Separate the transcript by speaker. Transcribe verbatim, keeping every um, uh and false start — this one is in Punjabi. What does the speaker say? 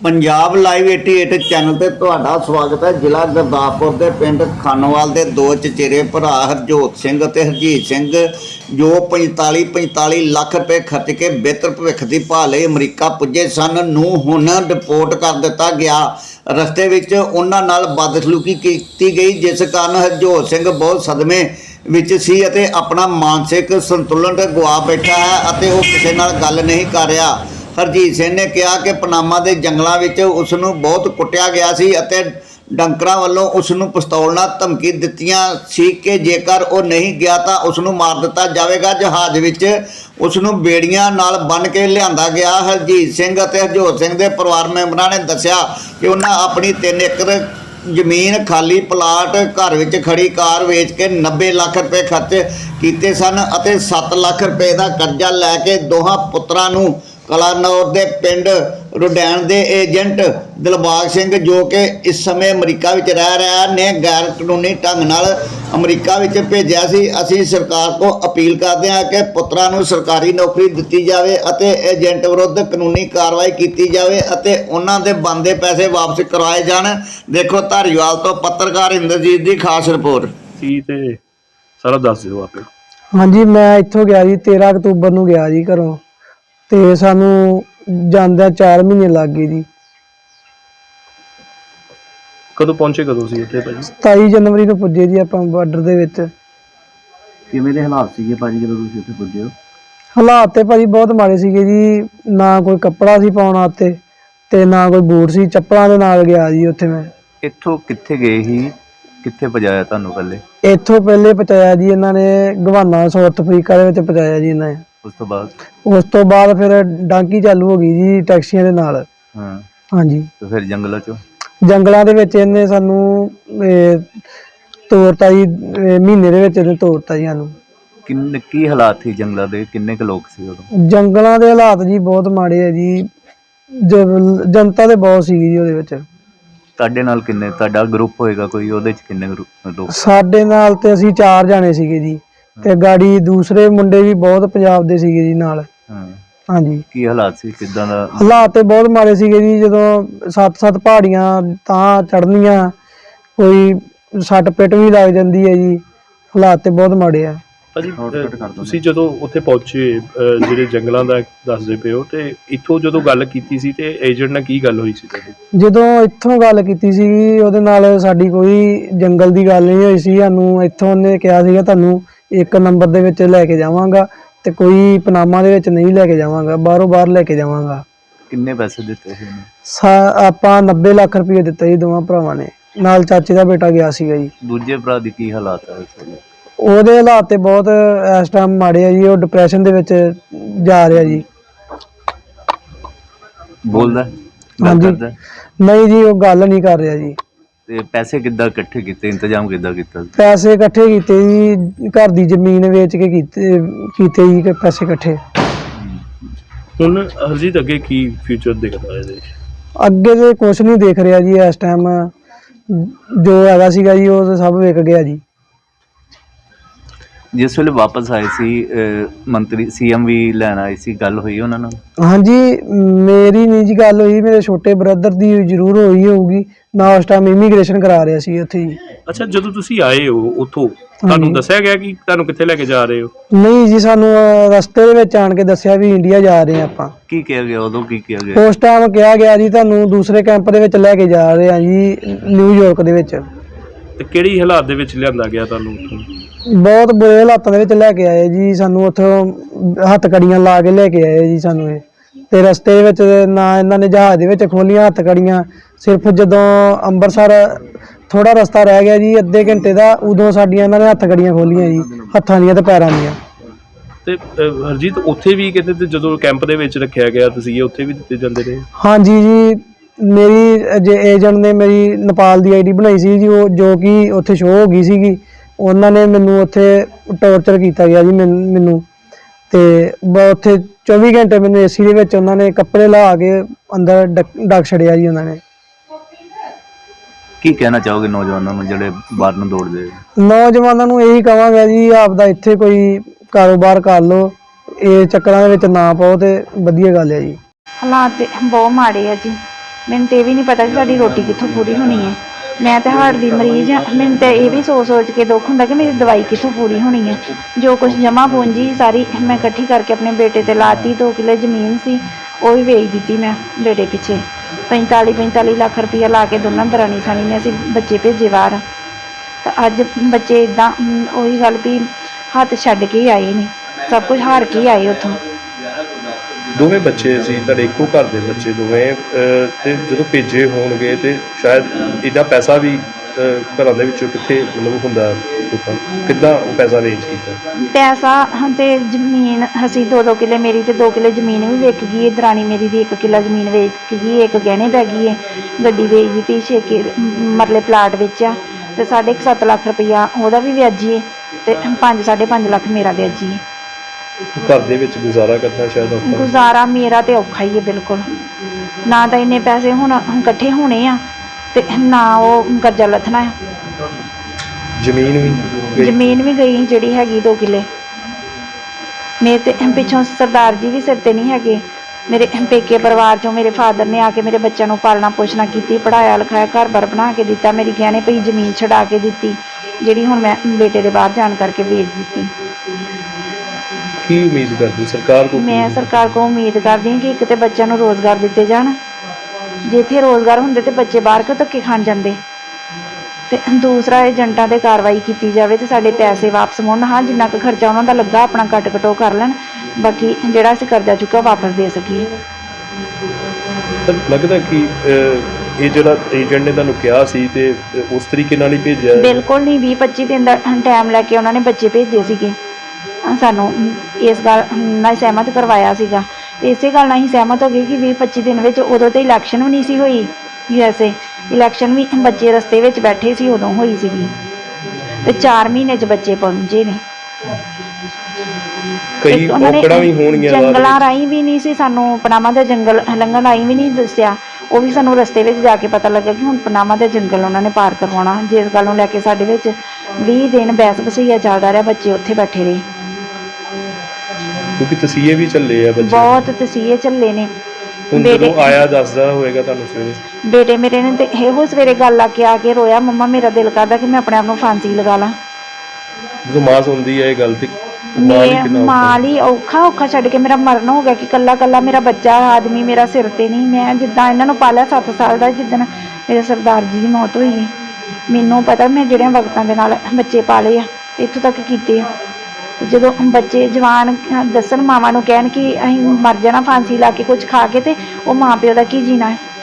Speaker 1: पंजाब लाइव अठासी चैनल ते तुहाडा स्वागत है। जिला गुरदासपुर के पिंड खानोवाल के दो चचेरे भरा हरजोत सिंह ते हरजीत सिंह जो पैंताली पैंताली लाख रुपए खर्च के बेहतर भविख की भाल लई अमरीका पुजे सन नूं हुण डिपोर्ट कर दिता गया। रस्ते विच उन्हां नाल बदसलूकी की गई, जिस कारण हरजोत सिंह बहुत सदमे विच सी अते अपना मानसिक संतुलन गवा बैठा है अते वो किसी नाल गल नहीं कर रहा। हरजीत सिंह ने कहा कि पनामा के जंगलों में उसनू बहुत कुटिया गया सी अते डंकरां वल्लों उसनू पिस्तौल नाल धमकी दित्तियां सी कि जेकर वो नहीं गया तो उसनू मार दिता जाएगा। जहाज विच उसनू बेड़ियां नाल बन के लियांदा गया। हरजीत सिंह अते हरजोत सिंह के परिवार मैंबरां ने दस्सिया कि उन्हां अपनी तीन एकड़ जमीन खाली प्लाट घर विच खड़ी कार वेच के नब्बे लाख रुपए खर्च किए सन अते सत्त लाख रुपए का कर्जा लैके दोहां पुत्रां नूं कलानौर के पिंड रुडैन के एजेंट दिलबाग सिंह जो कि इस समय अमरीका विच रह रहा ने गैर कानूनी ढंग नाल अमरीका विच भेजिया सी। असीं सरकार को अपील करते हैं कि पुत्रां नूं सरकारी नौकरी दित्ती जाए अते एजेंट विरुद्ध कानूनी कार्रवाई की जाए अते उन्हां दे बनदे पैसे वापस करवाए जाण। देखो धारीवाल तो पत्रकार इंद्रजीत की खास रिपोर्ट।
Speaker 2: सारा दस दिओ आपे।
Speaker 3: हाँ जी, मैं इत्थों गया जी तेरह अक्तूबर नूं गया जी घरों ते सानू जांदे चार महीने लग गए जी।
Speaker 2: कदों पहुंचे कदों सी उत्थे भाजी?
Speaker 3: सताई जनवरी को पुजे जी आपां बार्डर दे विच।
Speaker 1: किवें दे हालात सीगे भाजी जदों तुसीं उत्थे पुजे हो?
Speaker 3: हालात ते भाजी बहुत माड़े सीगे जी, ना कोई कपड़ा सी पाउण वास्ते ते ना कोई बूट सी, चप्पलां दे नाल गया जी उत्थे मैं।
Speaker 4: इत्थों कित्थे गए ही, कित्थे पजाया तुहानूं पहले?
Speaker 3: इत्थों पहले पहुंचाया जी इन्हां ने गवाना साउथ अफ्रीका दे विच पहुंचाया जी इन्हां ने।
Speaker 4: उस तो बाद
Speaker 3: उस तो बाद फिर डांकी चालू हो गई जी टैक्सियां दे नाल।
Speaker 4: हाँ
Speaker 3: हाँ जी,
Speaker 4: तो फिर जंगलों चों
Speaker 3: जंगलों दे विच इन्हें सानू तोड़ता जी, महीने दे विच इन्हें तोड़ता जी सानू।
Speaker 4: किन्ने की हालात थी जंगलों दे, किन्ने क लोग सी उदों?
Speaker 3: जंगलों दे हालात जी बहुत माड़े है जी, ज- जनता ते बहुत सीगी जी ओहदे विच।
Speaker 4: ਤੁਹਾਡੇ ਨਾਲ ਕਿੰਨੇ, ਤੁਹਾਡਾ ਗਰੁੱਪ ਹੋਏਗਾ ਕੋਈ, ਉਹਦੇ ਚ ਕਿੰਨੇ ਗਰੁੱਪ ਲੋਕ?
Speaker 3: ਸਾਡੇ ਨਾਲ ਤੇ ਅਸੀਂ ਚਾਰ ਜਾਣੇ ਸੀਗੇ ਜੀ ਤੇ ਗਾੜੀ ਦੂਸਰੇ ਮੁੰਡੇ ਵੀ ਬਹੁਤ ਪੰਜਾਬ ਦੇ ਸੀਗੇ ਜੀ ਨਾਲ।
Speaker 4: ਹਾਂ
Speaker 3: ਹਾਂਜੀ,
Speaker 4: ਕੀ ਹਾਲਾਤ ਸੀ, ਕਿਦਾਂ ਦਾ?
Speaker 3: ਹਾਲਾਤ ਤੇ ਬਹੁਤ ਮਾੜੇ ਸੀਗੇ ਜੀ। ਜਦੋਂ ਸੱਤ ਸੱਤ ਪਹਾੜੀਆਂ ਤਾਂ ਚੜ੍ਹਨੀਆਂ, ਕੋਈ ਸੱਟ ਪਿੱਟ ਵੀ ਲੱਗ ਜਾਂਦੀ ਹੈ ਜੀ। ਹਾਲਾਤ ਤੇ ਬਹੁਤ ਮਾੜੇ ਆ
Speaker 2: ਭਾਜੀ। ਤੁਸੀਂ ਜਦੋਂ ਉੱਥੇ ਪਹੁੰਚੇ, ਜਿਹੜੇ ਜੰਗਲਾਂ ਦਾ ਦੱਸਦੇ ਪਏ ਹੋ, ਤੇ ਇੱਥੋਂ ਜਦੋਂ ਗੱਲ ਕੀਤੀ ਸੀ ਤੇ ਏਜੰਟ ਨਾਲ ਕੀ ਗੱਲ ਹੋਈ ਸੀ ਤੁਹਾਡੀ?
Speaker 3: ਜਦੋਂ ਇੱਥੋਂ ਗੱਲ ਕੀਤੀ ਸੀ ਉਹਦੇ ਨਾਲ ਸਾਡੀ ਕੋਈ ਜੰਗਲ ਦੀ ਗੱਲ ਨਹੀਂ ਹੋਈ ਸੀ। ਸਾਨੂੰ ਇੱਥੋਂ ਉਹਨੇ ਕਿਹਾ ਸੀਗਾ ਤੁਹਾਨੂੰ ਇੱਕ ਨੰਬਰ ਦੇ ਵਿੱਚ ਲੈ ਕੇ ਜਾਵਾਂਗਾ ਤੇ ਕੋਈ ਪਨਾਮਾ ਦੇ ਵਿੱਚ ਨਹੀਂ ਲੈ ਕੇ ਜਾਵਾਂਗਾ, ਬਾਹਰੋਂ ਬਾਹਰ ਲੈ ਕੇ ਜਾਵਾਂਗਾ।
Speaker 4: ਕਿੰਨੇ ਪੈਸੇ ਦਿੱਤੇ ਸੀ ਉਹਨੇ?
Speaker 3: ਸਾ ਆਪਾਂ ਨੱਬੇ ਲੱਖ ਰੁਪਏ ਦਿੱਤੇ ਜੀ ਦੋਵਾਂ ਭਰਾਵਾਂ ਨੇ, ਨਾਲ ਚਾਚੇ ਦਾ ਬੇਟਾ ਗਿਆ ਸੀਗਾ ਜੀ।
Speaker 4: ਦੂਜੇ ਭਰਾ ਦੀ ਕੀ ਹਾਲਾਤ ਹੈ ਇਸ ਵੇਲੇ?
Speaker 3: ਉਹਦੇ ਹਾਲਾਤ ਤੇ ਬਹੁਤ ਇਸ ਟਾਈਮ ਮਾੜੇ ਆ ਜੀ, ਉਹ ਡਿਪਰੈਸ਼ਨ ਦੇ ਵਿੱਚ ਜਾ ਰਿਹਾ ਜੀ।
Speaker 4: ਬੋਲਦਾ ਗੱਲ
Speaker 3: ਹਾਂਜੀ,
Speaker 4: ਕਰਦਾ?
Speaker 3: ਨਹੀਂ ਜੀ ਉਹ ਗੱਲ ਨਹੀਂ ਕਰ ਰਿਹਾ ਜੀ।
Speaker 4: ਤੇ ਪੈਸੇ ਕਿੱਦਾਂ ਇਕੱਠੇ ਕੀਤੇ, ਇੰਤਜ਼ਾਮ ਕਿੱਦਾਂ ਕੀਤਾ?
Speaker 3: ਪੈਸੇ ਇਕੱਠੇ ਕੀਤੇ ਜੀ, ਘਰ ਦੀ ਜ਼ਮੀਨ ਵੇਚ ਕੇ ਕੀਤੇ ਕੀਤੇ ਜੀ ਕਿ ਪੈਸੇ ਇਕੱਠੇ।
Speaker 2: ਹੁਣ ਹਰਜੀਤ ਅੱਗੇ ਕੀ ਫਿਊਚਰ ਦਿਖਦਾ ਹੈ ਇਹਦੇ?
Speaker 3: ਅੱਗੇ ਤੇ ਕੁਛ ਨਹੀਂ ਦੇਖ ਰਿਹਾ ਜੀ ਇਸ ਟਾਈਮ, ਜੋ ਹੈਗਾ ਸੀਗਾ ਜੀ ਉਹ ਸਭ ਵਿਕ ਗਿਆ ਜੀ।
Speaker 4: ਜਿਸ ਵੇਲੇ ਵਾਪਸ ਆਏ ਸੀ ਮੰਤਰੀ ਸੀਐਮ ਵੀ ਲੈਣ ਆਏ ਸੀ, ਗੱਲ ਹੋਈ ਉਹਨਾਂ ਨਾਲ?
Speaker 3: ਹਾਂਜੀ, ਮੇਰੀ ਨਹੀਂ ਜੀ ਗੱਲ ਹੋਈ, ਮੇਰੇ ਛੋਟੇ ਬ੍ਰਦਰ ਦੀ ਜ਼ਰੂਰ ਹੋਈ ਹੋਊਗੀ। ਮੈਂ ਉਸ ਟਾਈਮ ਇਮੀਗ੍ਰੇਸ਼ਨ ਕਰਾ ਰਿਹਾ ਸੀ ਉੱਥੇ ਜੀ।
Speaker 2: ਅੱਛਾ, ਜਦੋਂ ਤੁਸੀਂ ਆਏ ਹੋ ਉੱਥੋਂ ਤੁਹਾਨੂੰ ਦੱਸਿਆ ਗਿਆ ਕਿ ਤੁਹਾਨੂੰ ਕਿੱਥੇ ਲੈ ਕੇ ਜਾ ਰਹੇ ਹੋ?
Speaker 3: ਨਹੀਂ ਜੀ, ਸਾਨੂੰ ਅਹ, ਰਸਤੇ ਦੇ ਵਿੱਚ ਆਣ ਕੇ ਦੱਸਿਆ ਵੀ ਇੰਡੀਆ ਜਾ ਰਹੇ ਆਪਾਂ।
Speaker 4: ਕੀ ਕਿਹਾ ਗਿਆ ਉਦੋਂ, ਕੀ ਕਿਹਾ ਗਿਆ?
Speaker 3: ਉਸ ਟਾਈਮ ਕਿਹਾ ਗਿਆ ਜੀ ਤੁਹਾਨੂੰ ਦੂਸਰੇ ਕੈਂਪ ਦੇ ਵਿੱਚ ਲੈ ਕੇ ਜਾ ਰਹੇ ਆ ਜੀ, ਨਿਊਯਾਰਕ ਦੇ ਵਿੱਚ।
Speaker 2: ਤੇ ਕਿਹੜੀ ਹਾਲਾਤ ਦੇ ਵਿੱਚ ਲਿਆਂਦਾ ਗਿਆ ਤੁਹਾਨੂੰ ਉੱਥੋਂ?
Speaker 3: ਬਹੁਤ ਬੁਰੇ ਹਾਲਾਤਾਂ ਦੇ ਵਿੱਚ ਲੈ ਕੇ ਆਏ ਜੀ ਸਾਨੂੰ, ਉੱਥੋਂ ਹੱਥ ਕੜੀਆਂ ਲਾ ਕੇ ਲੈ ਕੇ ਆਏ ਜੀ ਸਾਨੂੰ ਇਹ। ਤੇ ਰਸਤੇ ਦੇ ਵਿੱਚ ਨਾ ਇਹਨਾਂ ਨੇ ਜਹਾਜ਼ ਦੇ ਵਿੱਚ ਖੋਲੀਆਂ ਹੱਥ ਕੜੀਆਂ, ਸਿਰਫ ਜਦੋਂ ਅੰਮ੍ਰਿਤਸਰ ਥੋੜਾ ਰਸਤਾ ਰਹਿ ਗਿਆ ਜੀ ਅੱਧੇ ਘੰਟੇ ਦਾ, ਉਦੋਂ ਸਾਡੀਆਂ ਇਹਨਾਂ ਨੇ ਹੱਥ ਕੜੀਆਂ ਖੋਲੀਆਂ ਜੀ, ਹੱਥਾਂ ਦੀਆਂ ਤੇ ਪੈਰਾਂ ਦੀਆਂ।
Speaker 2: ਤੇ ਅਹ, ਹਰਜੀਤ ਉੱਥੇ ਵੀ ਕਿਤੇ ਤੇ ਜਦੋਂ ਕੈਂਪ ਦੇ ਵਿੱਚ ਰੱਖਿਆ ਗਿਆ ਤੁਸੀਂ ਉੱਥੇ ਵੀ ਦਿੱਤੇ ਜਾਂਦੇ ਰਹੇ?
Speaker 3: ਹਾਂਜੀ ਜੀ, ਮੇਰੀ ਜੇ ਏਜੰਟ ਨੇ ਮੇਰੀ ਨੇਪਾਲ ਦੀ ਆਈਡੀ ਬਣਾਈ ਸੀ ਜੀ, ਉਹ ਜੋ ਕਿ ਉੱਥੇ ਸ਼ੋਅ ਹੋ ਗਈ ਸੀਗੀ। ਉਹਨਾਂ ਨੇ ਮੈਨੂੰ ਉੱਥੇ ਟੌਰਚਰ ਕੀਤਾ ਗਿਆ ਜੀ ਮੈਨ- ਮੈਨੂੰ ਤੇ ਬ- ਉੱਥੇ ਚੌਵੀ ਘੰਟੇ ਮੈਨੂੰ ਏਸੀ ਦੇ ਵਿੱਚ ਉਹਨਾਂ ਨੇ ਕੱਪੜੇ ਲਾ ਕੇ ਅੰਦਰ ਡਕ- ਡੱਕ ਛੜਿਆ ਜੀ ਉਹਨਾਂ ਨੇ।
Speaker 4: ਕੀ ਕਹਿਣਾ ਚਾਹੋਗੇ ਨੌਜਵਾਨਾਂ ਨੂੰ ਜਿਹੜੇ ਬਾਹਰ ਨੂੰ ਦੌੜਦੇ?
Speaker 3: ਨੌਜਵਾਨਾਂ ਨੂੰ ਇਹੀ ਕਹਾਂਗਾ ਜੀ ਆਪਦਾ ਇੱਥੇ ਕੋਈ ਕਾਰੋਬਾਰ ਕਰ ਲਓ, ਇਹ ਚੱਕਰਾਂ ਦੇ ਵਿੱਚ ਨਾ ਪਾਓ ਤੇ ਵਧੀਆ ਗੱਲ ਹੈ ਜੀ।
Speaker 5: ਹਾਲਾਤ ਤੇ ਬਹੁਤ ਮਾੜੇ ਆ ਜੀ। ਮੈਨੂੰ ਤੇ ਇਹ ਵੀ ਨਹੀਂ ਪਤਾ ਕਿ ਸਾਡੀ ਰੋਟੀ ਕਿੱਥੋਂ ਪੂਰੀ ਹੋਣੀ ਹੈ। ਮੈਂ ਤਾਂ ਹਾਰਟ ਦੀ ਮਰੀਜ਼ ਹਾਂ, ਮੈਨੂੰ ਤਾਂ ਇਹ ਵੀ ਸੋਚ ਸੋਚ ਕੇ ਦੁੱਖ ਹੁੰਦਾ ਕਿ ਮੇਰੀ ਦਵਾਈ ਕਿੱਥੋਂ ਪੂਰੀ ਹੋਣੀ ਹੈ। ਜੋ ਕੁਝ ਜਮ੍ਹਾਂ ਪੂੰਜੀ ਸਾਰੀ ਮੈਂ ਇਕੱਠੀ ਕਰਕੇ ਆਪਣੇ ਬੇਟੇ ਤੇ ਲਾਤੀ। ਦੋ ਕਿੱਲੇ ਜ਼ਮੀਨ ਸੀ ਉਹ ਵੀ ਵੇਚ ਦਿੱਤੀ ਮੈਂ ਬੇਟੇ ਪਿੱਛੇ। ਪੰਤਾਲੀ ਪੰਤਾਲੀ ਲੱਖ ਰੁਪਈਆ ਲਾ ਕੇ ਦੋਨਾਂ ਦਰਾਣੀ ਸਾਣੀ ਨੇ ਅਸੀਂ ਬੱਚੇ ਭੇਜੇ ਬਾਹਰ। ਤਾਂ ਅੱਜ ਬੱਚੇ ਇੱਦਾਂ ਉਹੀ ਗੱਲ ਵੀ ਹੱਥ ਛੱਡ ਕੇ ਹੀ ਆਏ ਨੇ, ਸਭ ਕੁਝ ਹਾਰ ਕੇ ਹੀ ਆਏ ਉੱਥੋਂ।
Speaker 2: ਦੋਵੇਂ ਬੱਚੇ ਸੀ ਤੁਹਾਡੇ, ਇੱਕੋ ਘਰ ਦੇ ਬੱਚੇ ਦੋਵੇਂ, ਅਹ, ਤੇ ਜਦੋਂ ਭੇਜੇ ਹੋਣਗੇ ਤੇ ਸ਼ਾਇਦ ਇਹਦਾ ਪੈਸਾ ਵੀ ਅਹ, ਘਰਾਂ ਦੇ ਵਿੱਚੋਂ ਕਿੱਥੇ ਮਤਲਬ ਹੁੰਦਾ, ਲੋਕਾਂ ਨੂੰ ਕਿੱਦਾਂ ਉਹ ਪੈਸਾ ਅਰੇਂਜ ਕੀਤਾ?
Speaker 5: ਪੈਸਾ ਤੇ ਜ਼ਮੀਨ ਅਸੀਂ ਦੋ ਦੋ ਕਿੱਲੇ, ਮੇਰੀ ਤੇ ਦੋ ਕਿੱਲੇ ਜ਼ਮੀਨ ਵੀ ਵਿਕ ਗਈ ਹੈ, ਦਰਾਣੀ ਮੇਰੀ ਦੀ ਇੱਕ ਕਿੱਲਾ ਜ਼ਮੀਨ ਵੇਚ ਗਈ, ਇੱਕ ਗਹਿਣੇ ਪੈ ਗਈ ਹੈ, ਗੱਡੀ ਵੇਚ ਦਿੱਤੀ, ਛੇ ਕਿ ਮਰਲੇ ਪਲਾਟ ਵੇਚਿਆ ਤੇ ਸਾਢੇ ਕੁ ਸੱਤ ਲੱਖ ਰੁਪਈਆ ਉਹਦਾ ਵੀ ਵਿਆਜੀ ਹੈ ਤੇ ਪੰਜ ਸਾਢੇ ਪੰਜ ਲੱਖ ਮੇਰਾ ਵਿਆਜੀ ਹੈ।
Speaker 2: ਘਰ ਦੇ ਵਿੱਚ ਗੁਜ਼ਾਰਾ ਕਰਨਾ ਸ਼ਾਇਦ ਔਖਾ।
Speaker 5: ਗੁਜ਼ਾਰਾ ਮੇਰਾ ਤੇ ਔਖਾ ਹੀ ਹੈ ਬਿਲਕੁਲ, ਨਾ ਤਾਂ ਇੰਨੇ ਪੈਸੇ ਹੁਣ ਇਕੱਠੇ ਹੋਣੇ ਆ ਤੇ ਨਾ ਉਹ ਕਰਜ਼ਾ ਲੱਥਣਾ ਹੈ।
Speaker 2: ਜ਼ਮੀਨ ਵੀ ਗਈ?
Speaker 5: ਜ਼ਮੀਨ ਵੀ ਗਈ ਜਿਹੜੀ ਹੈਗੀ ਦੋ ਕਿੱਲੇ। ਮੇਰੇ ਤੇ ਪਿੱਛੋਂ ਸਰਦਾਰ ਜੀ ਵੀ ਸਿਰ ਤੇ ਨਹੀਂ ਹੈਗੇ। ਮੇਰੇ ਪੇਕੇ ਪਰਿਵਾਰ ਚੋਂ ਮੇਰੇ ਫਾਦਰ ਨੇ ਆ ਕੇ ਮੇਰੇ ਬੱਚਿਆਂ ਨੂੰ ਪਾਲਣਾ ਪੋਸ਼ਣਾ ਕੀਤੀ, ਪੜ੍ਹਾਇਆ ਲਿਖਾਇਆ, ਘਰ ਬਾਰ ਬਣਾ ਕੇ ਦਿੱਤਾ, ਮੇਰੀ ਗਹਿਣੇ ਪਈ ਜ਼ਮੀਨ ਛਡਾ ਕੇ ਦਿੱਤੀ ਜਿਹੜੀ ਹੁਣ ਮੈਂ ਬੇਟੇ ਦੇ ਬਾਹਰ ਜਾਣ ਕਰਕੇ ਵੇਚ ਦਿੱਤੀ।
Speaker 2: ਕੀ ਉਮੀਦ ਕਰਦੀ ਸਰਕਾਰ ਕੋਲ?
Speaker 5: ਮੈਂ ਸਰਕਾਰ ਕੋਲ ਉਮੀਦ ਕਰਦੀ ਹਾਂ ਕਿ ਇੱਕ ਤੇ ਬੱਚਿਆਂ ਨੂੰ ਰੋਜ਼ਗਾਰ ਦਿੱਤੇ ਜਾਣ, ਜੇ ਇੱਥੇ ਰੋਜ਼ਗਾਰ ਹੁੰਦੇ ਤੇ ਬੱਚੇ ਬਾਹਰ ਕਿਉਂ ਧੱਕੇ ਖਾਣ ਜਾਂਦੇ, ਤੇ ਦੂਸਰਾ ਏਜੰਟਾਂ 'ਤੇ ਕਾਰਵਾਈ ਕੀਤੀ ਜਾਵੇ ਤੇ ਸਾਡੇ ਪੈਸੇ ਵਾਪਸ ਮੁੜਨ। ਹਾਂ, ਜਿੰਨਾ ਕੁ ਖਰਚਾ ਉਹਨਾਂ ਦਾ ਲੱਗਾ ਆਪਣਾ ਕੱਟ ਕਟੋ ਕਰ ਲੈਣ, ਬਾਕੀ ਜਿਹੜਾ ਅਸੀਂ ਕਰਜ਼ਾ ਚੁੱਕਿਆ ਵਾਪਸ ਦੇ ਸਕੀਏ।
Speaker 2: ਸਰ ਲੱਗਦਾ ਕਿ ਅਹ, ਇਹ ਜਿਹੜਾ ਏਜੰਟ ਨੇ ਤੁਹਾਨੂੰ ਕਿਹਾ ਸੀ ਤੇ ਉਸ ਤਰੀਕੇ ਨਾਲ ਹੀ ਭੇਜਿਆ?
Speaker 5: ਬਿਲਕੁਲ ਨਹੀਂ, ਵੀਹ ਪੱਚੀ ਦਿਨ ਦਾ ਟਾਈਮ ਲੈ ਕੇ ਉਹਨਾਂ ਨੇ ਬੱਚੇ ਭੇਜੇ ਸੀਗੇ। ਸਾਨੂੰ ਇਸ ਗੱਲ ਨਾਲ ਸਹਿਮਤ ਕਰਵਾਇਆ ਸੀਗਾ ਤੇ ਇਸੇ ਗੱਲ ਨਾਲ ਹੀ ਸਹਿਮਤ ਹੋ ਗਏ ਕਿ ਵੀਹ ਪੱਚੀ ਦਿਨ ਵਿੱਚ, ਉਦੋਂ ਤੇ ਇਲੈਕਸ਼ਨ ਵੀ ਨਹੀਂ ਸੀ ਹੋਈ ਯੂ ਐਸ ਏ, ਇਲੈਕਸ਼ਨ ਵੀ ਬੱਚੇ ਰਸਤੇ ਵਿੱਚ ਬੈਠੇ ਸੀ ਉਦੋਂ ਹੋਈ ਸੀਗੀ ਤੇ ਚਾਰ ਮਹੀਨੇ 'ਚ ਬੱਚੇ ਪਹੁੰਚੇ ਨੇ।
Speaker 2: ਕਈ ਔਕੜਾਂ ਵੀ ਹੋਣਗੀਆਂ,
Speaker 5: ਜੰਗਲਾਂ ਰਾਹੀਂ ਵੀ ਨਹੀਂ ਸੀ ਸਾਨੂੰ, ਪਨਾਮਾ ਦਾ ਜੰਗਲ ਲੰਘਣ ਰਾਹੀਂ ਵੀ ਨਹੀਂ ਦੱਸਿਆ, ਉਹ ਵੀ ਸਾਨੂੰ ਰਸਤੇ ਵਿੱਚ ਜਾ ਕੇ ਪਤਾ ਲੱਗਾ ਕਿ ਹੁਣ ਪਨਾਮਾ ਦਾ ਜੰਗਲ ਉਹਨਾਂ ਨੇ ਪਾਰ ਕਰਵਾਉਣਾ। ਜਿਸ ਗੱਲ ਨੂੰ ਲੈ ਕੇ ਸਾਡੇ ਵਿੱਚ ਵੀਹ ਦਿਨ ਬਹਿਸ ਬਸਈਆ ਚੱਲਦਾ ਰਿਹਾ, ਬੱਚੇ ਉੱਥੇ ਬੈਠੇ ਰਹੇ।
Speaker 2: ਕਿਉਂਕਿ ਤਸੀਹੇ ਵੀ ਚੱਲੇ ਆ ਬੱਚੇ,
Speaker 5: ਬਹੁਤ ਤਸੀਹੇ ਚੱਲੇ ਨੇ।
Speaker 2: ਹੁਣ ਜਦੋਂ ਆਇਆ ਦੱਸਦਾ ਹੋਏਗਾ ਤੁਹਾਨੂੰ ਸਵੇਰੇ?
Speaker 5: ਬੇਟੇ ਮੇਰੇ ਨੇ ਤੇ ਇਹੋ ਸਵੇਰੇ ਗੱਲ ਆ ਕੇ ਆ ਕੇ ਰੋਇਆ, ਮੰਮਾ ਮੇਰਾ ਦਿਲ ਕਰਦਾ ਕਿ ਮੈਂ ਆਪਣੇ ਆਪ ਨੂੰ ਫਾਂਸੀ ਲਗਾ ਲਾਂ।
Speaker 2: ਜਦੋਂ ਮਾਂ ਸੁਣਦੀ ਹੈ ਇਹ ਗੱਲ ਤੇ
Speaker 5: ਮੈਂ ਮਾਂ ਲਈ ਔਖਾ ਔਖਾ ਛੱਡ ਕੇ ਮੇਰਾ ਮਰਨ ਹੋ ਗਿਆ ਕਿ ਕੱਲਾ ਕੱਲਾ ਮੇਰਾ ਬੱਚਾ ਆਦਮੀ ਮੇਰਾ ਸਿਰ ਤੇ ਨਹੀਂ। ਮੈਂ ਜਿੱਦਾਂ ਇਹਨਾਂ ਨੂੰ ਪਾਲਿਆ ਸੱਤ ਸਾਲ ਦਾ, ਜਿੱਦਣ ਮੇਰੇ ਸਰਦਾਰ ਜੀ ਦੀ ਮੌਤ ਹੋਈ ਹੈ, ਮੈਨੂੰ ਪਤਾ ਮੈਂ ਜਿਹੜਿਆਂ ਵਕਤਾਂ ਦੇ ਨਾਲ ਬੱਚੇ ਪਾਲੇ ਆ ਇੱਥੋਂ ਤੱਕ ਕੀਤੇ ਆ। ਜਦੋਂ ਬੱਚੇ ਜਵਾਨ ਦੱਸਣ ਮਾਵਾਂ ਨੂੰ ਕਹਿਣ ਕਿ ਅਸੀਂ ਮਰ ਜਾਣਾ ਫਾਂਸੀ ਲਾ ਕੇ ਕੁਝ ਖਾ ਕੇ, ਤੇ ਉਹ ਮਾਂ ਪਿਓ ਦਾ ਕੀ ਜੀਣਾ ਹੈ।